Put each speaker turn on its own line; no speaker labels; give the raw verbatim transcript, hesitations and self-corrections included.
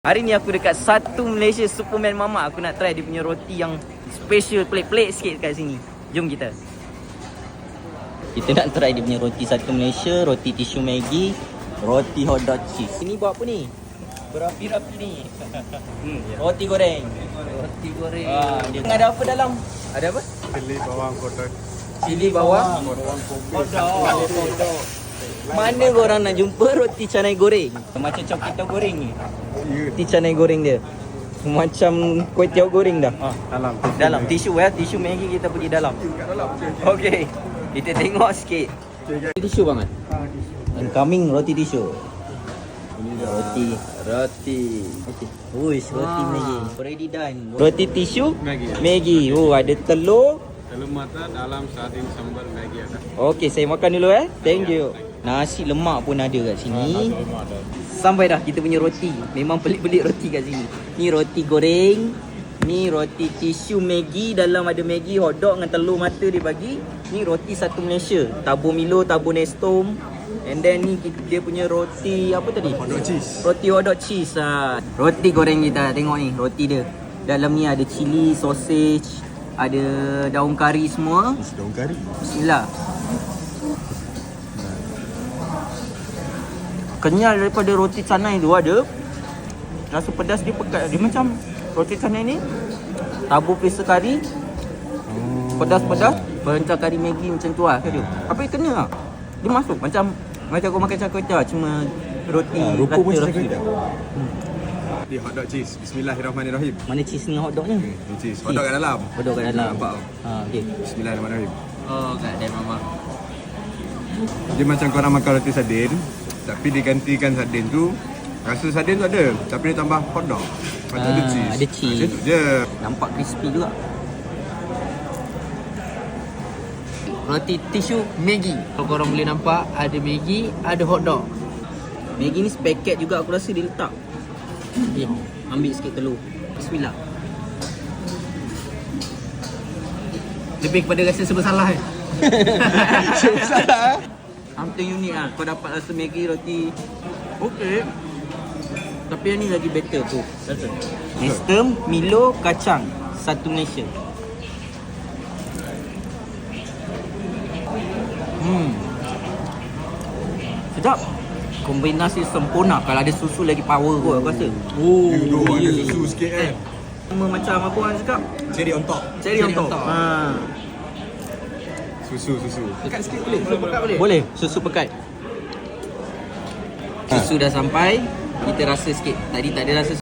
Hari ni aku dekat Satu Malaysia Superman Mama. Aku nak try dia punya roti yang special, pelik-pelik sikit kat sini. Jom kita. Kita nak try dia punya roti Satu Malaysia, roti tisu Maggi, roti hot dog cheese. Ini buat apa ni? Berapi-rapi ni. hmm, roti goreng. Roti goreng. Ah, dia ada apa dalam? Ada apa?
Cili bawang kotak.
Cili bawang, bawang hot dog. Mana korang nak jumpa roti canai goreng? Macam cokita goreng ni. Roti canai goreng dia macam kuih tiaw goreng dah.
Ah, dalam.
Dalam tisu ya, tisu Maggi kita pergi dalam.
Kat dalam.
Okey. Kita tengok sikit. Tisu banget. Incoming roti tisu. Roti, roti. Okey. Uish, roti Maggi. Already done. Roti tisu
Maggi.
Maggi. Oh, ada telur.
Telur mata dalam sardin sambal Maggi ada.
Okey, saya makan dulu eh. Thank you. Nasi lemak pun ada kat sini. Sampai dah kita punya roti. Memang pelik-pelik roti kat sini. Ni roti goreng. Ni roti tisu Maggi. Dalam ada Maggi, hot dog dengan telur mata dia bagi. Ni roti Satu Malaysia. Tabur Milo, tabur Nestum. And then ni dia punya roti apa tadi?
Hot dog cheese.
Roti hot dog cheese. Ha. Roti goreng kita. Tengok ni roti dia. Dalam ni ada cili, sausage, ada daun kari semua.
Daun kari.
Bismillah. Kenyal daripada roti canai tu ada. Rasa pedas dia pekat. Dia macam roti canai ni tabur pesa kari. Pedas-pedas. Perencah kari Maggi macam tu lah dia. Tapi kena lah. Dia masuk macam macam kau makan char kway teow, cuma roti
Ah, rupa pun
rata
macam
rasa.
hmm. Ni hot dog cheese. Bismillahirrahmanirrahim.
Mana cheese ni hot dog ni?
Ni cheese. Hot dog kat dalam.
Hot dog kat dalam.
Nampak tau.
Ha, okey.
Bismillahirrahmanirrahim.
Oh, kat dalam mama.
Dia macam korang makan roti sardin, tapi digantikan sardin tu, rasa sardin tu ada, tapi dia tambah hot dog. Lepas tu ada
Ah,
cheese.
ada cheese.
Macam tu je.
Nampak crispy juga. Roti tisu Maggi.
Kalau korang boleh nampak, ada Maggi, ada hot dog.
Maggi ni sepaket juga aku rasa dia letak. Okay, ambil sikit telur. Bismillah.
Lebih kepada rasa serba salah eh.
Salah. Something unik lah. Kau dapat rasa Maggi roti. Okey. Tapi yang ni lagi better tu. Rasa. Nestum, Milo, kacang. Satu Malaysia. Hmm. Sedap. Kombinasi sempurna. Kalau ada susu lagi power kot aku rasa.
Oh, you ada susu sikit kan.
Sama macam apa orang cakap?
Cherry on top.
Cherry on
Cherry on
top.
top.
Ha.
Susu, susu.
Dekat sikit boleh? Susu pekat boleh?
Boleh, susu pekat. Susu dah sampai. Kita rasa sikit. Tadi tak ada rasa